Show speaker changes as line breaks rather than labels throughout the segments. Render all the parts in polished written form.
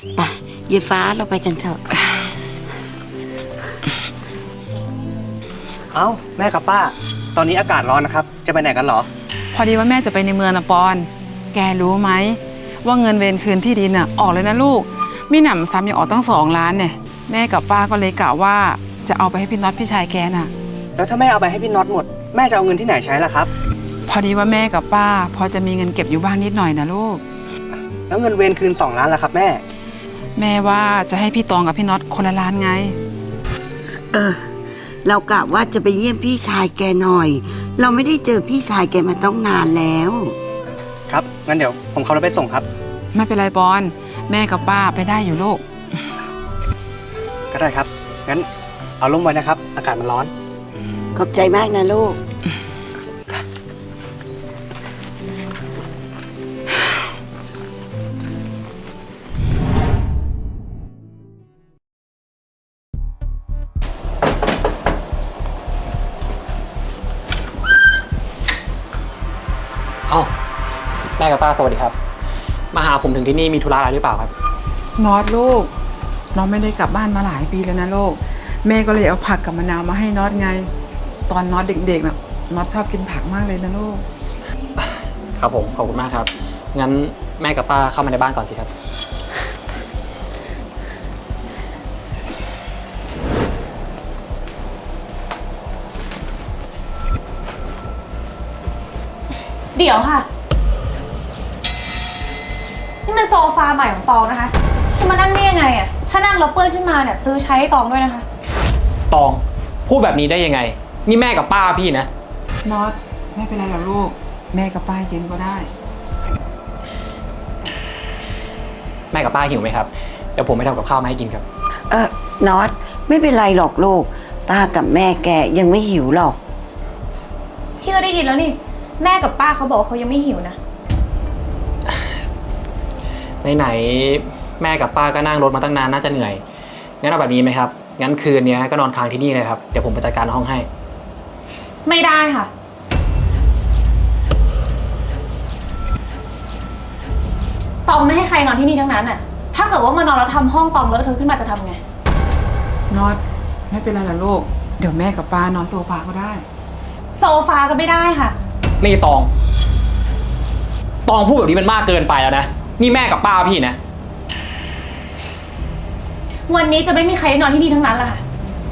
ไปเยฟ้าเราไปกันเถอะ
เอ้าแม่กับป้า ตอนนี้อากาศร้อนนะครับ จะไปไหนกันเหรอ
พอดีว่าแม่จะไปในเมืองนะปอน แกรู้ไหมว่าเงินเวรคืนที่ดินน่ะออกเลยนะลูกมีหนำซ้ำยังออกตั้ง2 ล้านเนี่ยแม่กับป้าก็เลยกะว่าจะเอาไปให้พี่น็อตพี่ชายแกน่ะ
แล้วถ้าแม่เอาไปให้พี่น็อตหมด แม่จะเอาเงินที่ไหนใช้ล่ะครับ
พอดีว่าแม่กับป้าพอจะมีเงินเก็บอยู่บ้างนิดหน่อยนะลูก
แล้วเงินเวรคืน2 ล้านล่ะครับแม่
แม่ว่าจะให้พี่ตองกับพี่น็อตคนละล้านไง
เรากะว่าจะไปเยี่ยมพี่ชายแกหน่อย เราไม่ได้เจอพี่ชายแกมาต้องนานแล้ว
ครับ งั้นเดี๋ยวผมขับรถไปส่งครับ
ไม่เป็นไรปอนแม่กับป้าไปได้อยู่ลูก
ก็ได้ครับ งั้นเอาร่มไว้นะครับ อากาศมันร้อน
ขอบใจมากนะลูก
เอ้าแม่กับป้าสวัสดีครับมาหาผมถึงที่นี่มีธุระอะไรหรือเปล่าครับ
น็อตลูกน้องไม่ได้กลับบ้านมาหลายปีแล้วนะลูกแม่ก็เลยเอาผักกับมะนาวมาให้น็อตไง ตอนน็อตเด็กๆน่ะน็อตชอบกินผักมากเลยนะลูก
ครับผมขอบคุณมากครับงั้นแม่กับป้าเข้ามาในบ้านก่อนสิครับ
เดี๋ยวค่ะ นี่มันโซฟาใหม่ของตองนะคะ จะมานั่งได้ยังไงอะถ้านั่งแล้วเปื้อนขึ้นมาเนี่ยซื้อใช้ให้ตองด้วยนะคะ
ตองพูดแบบนี้ได้ยังไงนี่แม่กับป้าพี่นะ
น็อตไม่เป็นไรหรอกลูกแม่กับป้ากินก็ได้
แม่กับป้าหิวไหมครับเดี๋ยวผมไปทำกับข้าวมาให้กินครับ
น็อตไม่เป็นไรหรอกลูกป้ากับแม่แกยังไม่หิวหรอก
พี่ก็ได้ยินแล้วนี่ แม่กับป้าเขาบอกว่าเขายังไม่หิวนะ
ไหนๆแม่กับป้าก็นั่งรถมาตั้งนานน่าจะเหนื่อยงั้นเอาแบบนี้ไหมครับงั้นคืนนี้ก็นอนค้างที่นี่เลยครับเดี๋ยวผมไปจัดการห้องให้
ไม่ได้ค่ะ ตองไม่ให้ใครนอนที่นี่ทั้งนั้นน่ะ ถ้าเกิดว่ามานอนแล้วทำห้องตองเลอะเทอะขึ้นมาจะทำไง
น็อตไม่เป็นไรหรอกลูกเดี๋ยวแม่กับป้านอนโซฟาก็ได้
โซฟาก็ไม่ได้ค่ะ
นี่ตองพูดแบบนี้มันมากเกินไปแล้วนะนี่แม่กับป้าพี่นะ
วันนี้จะไม่มีใครได้นอนที่นี่ทั้งนั้นแหละค่ะ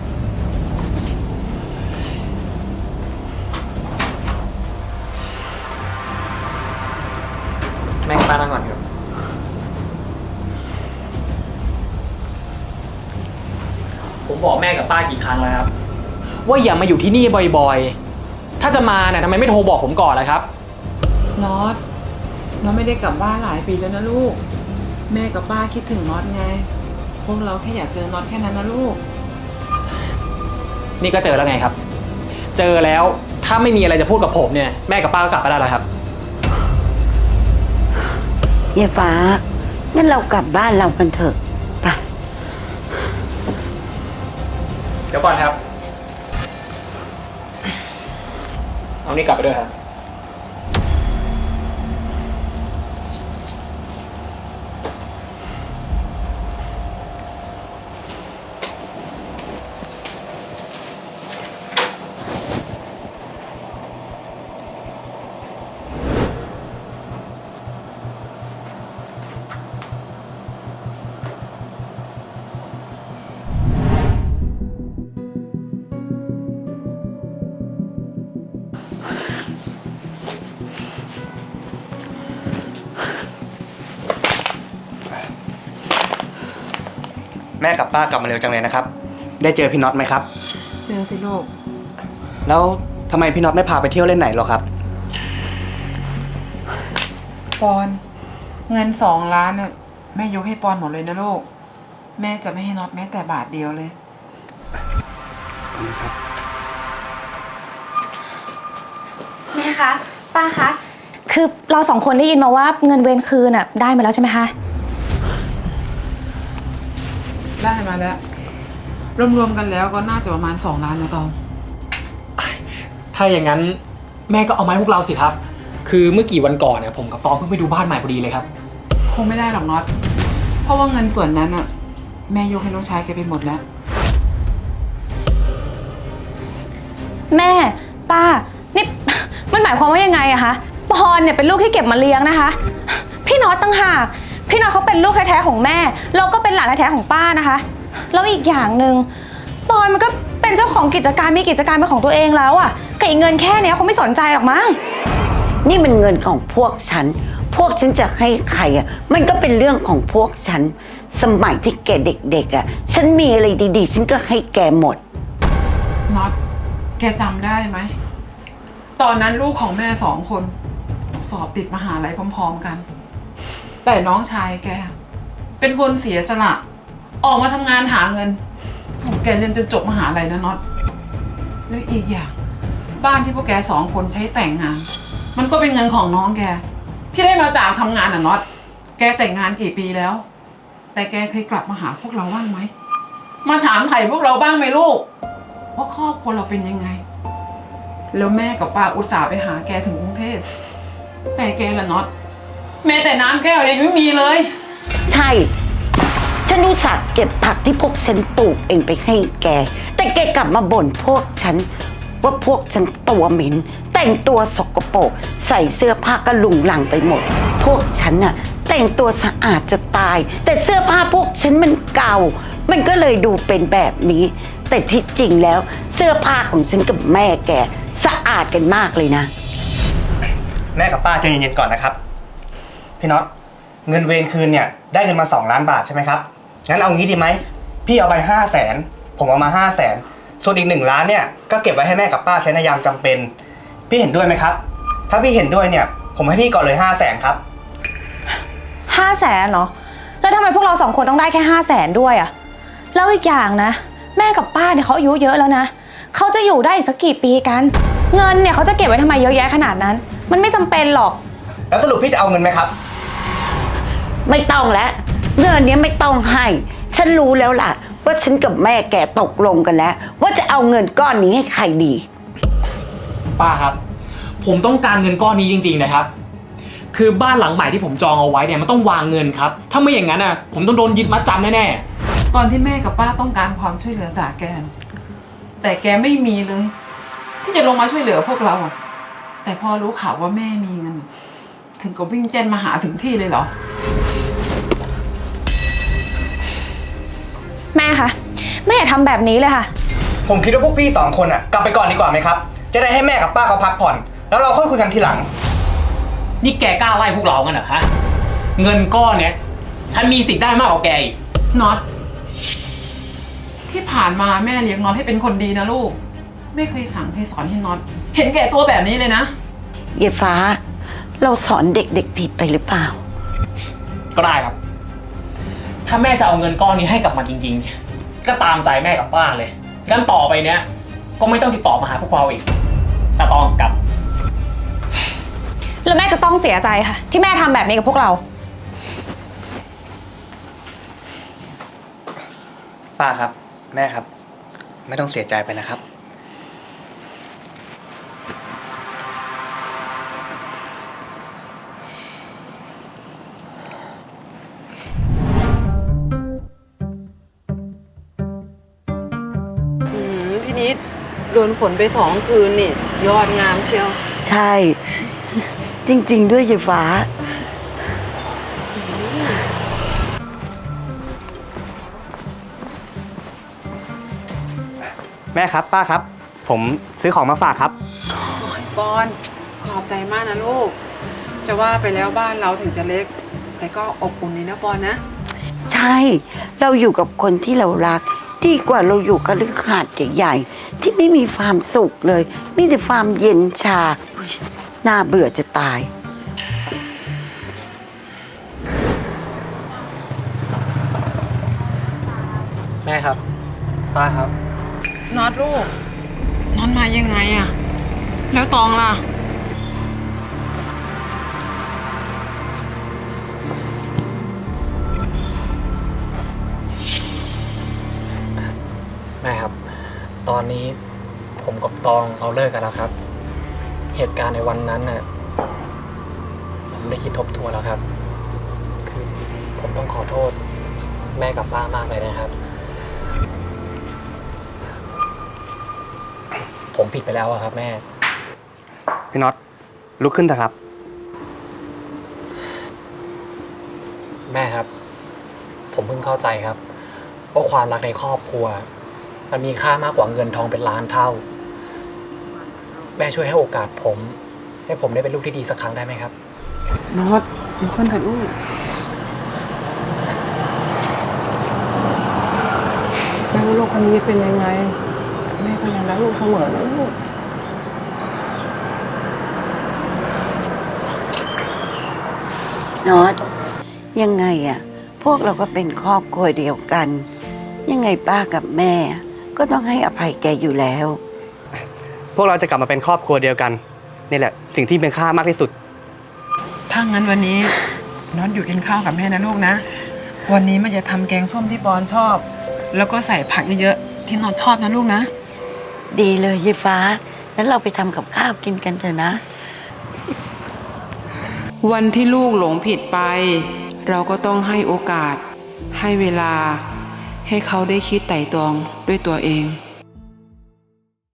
แม่กับป้านั่งก่อนครับผมบอกแม่กับป้ากี่ครั้งแล้วครับว่าอย่ามาอยู่ที่นี่บ่อยๆถ้าจะมาเนี่ยทำไมไม่โทรบอกผมก่อนล่ะครับ
น็อตน็อตไม่ได้กลับบ้านหลายปีแล้วนะลูกแม่กับป้าคิดถึงน็อตไงพวกเราแค่อยากเจอน็อตแค่นั้นนะลูก
นี่ก็เจอแล้วไงครับ เจอแล้วถ้าไม่มีอะไรจะพูดกับผมเนี่ยแม่กับป้าก็กลับไปได้แล้วครับ
เยฟ้างั้นเรากลับบ้านเรากันเถอะไป
เดี๋ยวก่อนครับ เอานี่กลับไปด้วยครับ
แม่กับป้ากลับมาเร็วจังเลยนะครับ ได้เจอพี่น็อตไหมครับ
เจอสิลูก
แล้วทำไมพี่น็อตไม่พาไปเที่ยวเล่นไหนหรอครับ
ปอนเงิน2 ล้านน่ะแม่ยกให้ปอนหมดเลยนะลูกแม่จะไม่ให้น็อตแม้แต่บาทเดียวเลย
แม่คะ ป้าคะ คือเรา2 คนได้ยินมาว่าเงินเวรคืนน่ะได้มาแล้วใช่ไหมคะ
ได้มาแล้วรวมๆกันแล้วก็น่าจะประมาณ2 ล้านนะตอง
ถ้าอย่างนั้นแม่ก็เอามาให้พวกเราสิครับ คือเมื่อกี่วันก่อนเนี่ยผมกับตองเพิ่งไปดูบ้านใหม่พอดีเลยครับ
คงไม่ได้หรอกน็อตเพราะว่าเงินส่วนนั้นอะแม่ยกให้น้องชายแกไปหมดแล้ว
แม่ป้านี่ มันหมายความว่ายังไงอะคะปอนเนี่ยเป็นลูกที่เก็บมาเลี้ยงนะคะ พี่น็อตตั้งหากพี่น็อตเขาเป็นลูกแท้ๆของแม่เราก็เป็นหลานแท้ๆของป้านะคะแล้วอีกอย่างหนึ่งปอนมันก็เป็นเจ้าของกิจการมีกิจการเป็นของตัวเองแล้วอะกับอีกเงินแค่เนี้ยเขาไม่สนใจหรอกมั้ง
นี่มันเงินของพวกฉัน พวกฉันจะให้ใครอ่ะ มันก็เป็นเรื่องของพวกฉัน สมัยที่แกเด็กๆอ่ะ ฉันมีอะไรดีๆ ฉันก็ให้แกหมด
น็อต แกจำได้ไหม ตอนนั้นลูกของแม่2 คน สอบติดมหาลัยพร้อมๆกัน แต่น้องชายแก เป็นคนเสียสละ ออกมาทำงานหาเงิน ส่งแกเรียนจนจบมหาลัยนะน็อต แล้วอีกอย่าง บ้านที่พวกแก2 คนใช้แต่งงาน มันก็เป็นเงินของน้องแก ที่ได้มาจากทำงานน่ะน็อต แกแต่งงานกี่ปีแล้ว แต่แกเคยกลับมาหาพวกเราบ้างไหม มาถามไถ่พวกเราบ้างไหมลูกว่าครอบครัวเราเป็นยังไง แล้วแม่กับป้าอุตส่าห์ไปหาแกถึงกรุงเทพ แต่แกละน็อต แม้แต่น้ำแก้วยังไม่มีเลย
ใช่ ฉันอุตส่าห์เก็บผักที่พวกฉันปลูกเองไปให้แก แต่แกกลับมาบ่นพวกฉัน ว่าพวกฉันตัวเหม็น แต่งตัวสกปรกใส่เสื้อผ้ากระหลุงหลังไปหมด พวกฉันน่ะแต่งตัวสะอาดจะตาย แต่เสื้อผ้าพวกฉันมันเก่า มันก็เลยดูเป็นแบบนี้ แต่ที่จริงแล้วเสื้อผ้าของฉันกับแม่แกสะอาดกันมากเลยนะ
แม่กับป้าใจเย็นๆก่อนนะครับ พี่น็อต เงินเวรคืนเนี่ยได้เงินมา2 ล้านบาทใช่ไหมครับ งั้นเอางี้ดีไหม พี่เอาไป500,000ผมเอามา500,000ส่วนอีก1 ล้านเนี่ยก็เก็บไว้ให้แม่กับป้าใช้ในยามจำเป็น พี่เห็นด้วยไหมครับ ถ้าพี่เห็นด้วยเนี่ย ผมให้พี่ก่อนเลย500,000ครับ
500,000เหรอแล้วทำไมพวกเรา2 คนต้องได้แค่500,000ด้วยอะแล้วอีกอย่างนะแม่กับป้าเนี่ยเขาอายุเยอะแล้วนะเขาจะอยู่ได้อีกสักกี่ปีกัน เงินเนี่ยเขาจะเก็บไว้ทำไมเยอะแยะขนาดนั้น มันไม่จำเป็นหรอก
แล้วสรุปพี่จะเอาเงินไหมครับ
ไม่ต้องแล้วเงินเนี้ยไม่ต้องให้ ฉันรู้แล้วล่ะ ว่าฉันกับแม่แกตกลงกันแล้ว ว่าจะเอาเงินก้อนนี้ให้ใครดี
ป้าครับ ผมต้องการเงินก้อนนี้จริงๆนะครับ คือบ้านหลังใหม่ที่ผมจองเอาไว้เนี่ยมันต้องวางเงินครับ ถ้าไม่อย่างนั้นอ่ะผมต้องโดนยึดมัดจำแน่ๆ
ตอนที่แม่กับป้าต้องการความช่วยเหลือจากแกน่ะแต่แกไม่มีเลย ที่จะลงมาช่วยเหลือพวกเราอะแต่พอรู้ข่าวว่าแม่มีเงิน ถึงกับวิ่งเจนมาหาถึงที่เลยเหรอ
แม่คะแม่อย่าทำแบบนี้เลยค่ะ
ผมคิดว่าพวกพี่2 คนอ่ะกลับไปก่อนดีกว่าไหมครับ จะได้ให้แม่กับป้าเขาพักผ่อน แล้วเราค่อยคุยกันทีหลัง
นี่แกกล้าไล่พวกเรากันเหรอฮะ เงินก้อนเนี้ยฉันมีสิทธิ์ได้มากกว่าแกอีก
น็อต ที่ผ่านมาแม่เลี้ยงน็อตให้เป็นคนดีนะลูก ไม่เคยสั่งเคยสอนให้น็อต เห็นแก่ตัวแบบนี้เลยนะ
เยฟ้า เราสอนเด็กๆผิดไปหรือเปล่า
ก็ได้ครับ ถ้าแม่จะเอาเงินก้อนนี้ให้กลับมาจริงๆ ก็ตามใจแม่กับป้าเลยงั้นต่อไปเนี้ยก็ไม่ต้องติดต่อมาหาพวกเราอีกแต่ต้องกลับ
แล้วแม่จะต้องเสียใจค่ะ ที่แม่ทำแบบนี้กับพวกเรา
ป้าครับ แม่ครับ ไม่ต้องเสียใจไปนะครับ
พี่นิดโดนฝนไป2 คืนนี่ยอดงามเชียว
ใช่ จริงๆด้วยเยฟ้า
แม่ครับ ป้าครับ ผมซื้อของมาฝากครับ
ปอนขอบใจมากนะลูก จะว่าไปแล้วบ้านเราถึงจะเล็ก แต่ก็อบอุ่นนี่นะปอนนะ
ใช่ เราอยู่กับคนที่เรารัก ดีกว่าเราอยู่กับเรื่องขาดใหญ่ๆที่ไม่มีความสุขเลย มีแต่ความเย็นชาอุ๊ยน่าเบื่อจะตาย
แม่ครับ ป้าครับ
น็อตลูกน็อตมายังไงอะแล้วตองล่ะ
แม่ครับ ตอนนี้ผมกับตองเราเลิกกันแล้วครับ เหตุการณ์ในวันนั้นน่ะผมได้คิดทบทวนแล้วครับ คือผมต้องขอโทษแม่กับป้ามากเลยนะครับ ผมผิดไปแล้วอะครับแม่
พี่น็อตลุกขึ้นเถอะครับ
แม่ครับ ผมเพิ่งเข้าใจครับว่าความรักในครอบครัว มันมีค่ามากกว่าเงินทองเป็นล้านเท่า แม่ช่วยให้โอกาสผม ให้ผมได้เป็นลูกที่ดีสักครั้งได้ไหมครับ
น็อตลุกขึ้นเถอะลูกแม่ว่าลูกคนนี้จะเป็นยังไง แม่ก็ยังรักลูกเสมอนะลูก
น็อตยังไงอะพวกเราก็เป็นครอบครัวเดียวกัน ยังไงป้ากับแม่ ก็ต้องให้อภัยแกอยู่แล้ว
พวกเราจะกลับมาเป็นครอบครัวเดียวกันนี่แหละสิ่งที่เป็นค่ามากที่สุด
ถ้างั้นวันนี้น็อตอยู่กินข้าวกับแม่นะลูกนะ วันนี้แม่จะทำแกงส้มที่ปอนชอบ แล้วก็ใส่ผักเยอะๆที่น็อตชอบนะลูกนะ
ดีเลยยายฟ้า แล้วเราไปทำกับข้าวกินกันเถอะนะ
วันที่ลูกหลงผิดไป เราก็ต้องให้โอกาส ให้เวลา ให้เขาได้คิดไต่ตรองด้วยตัวเอง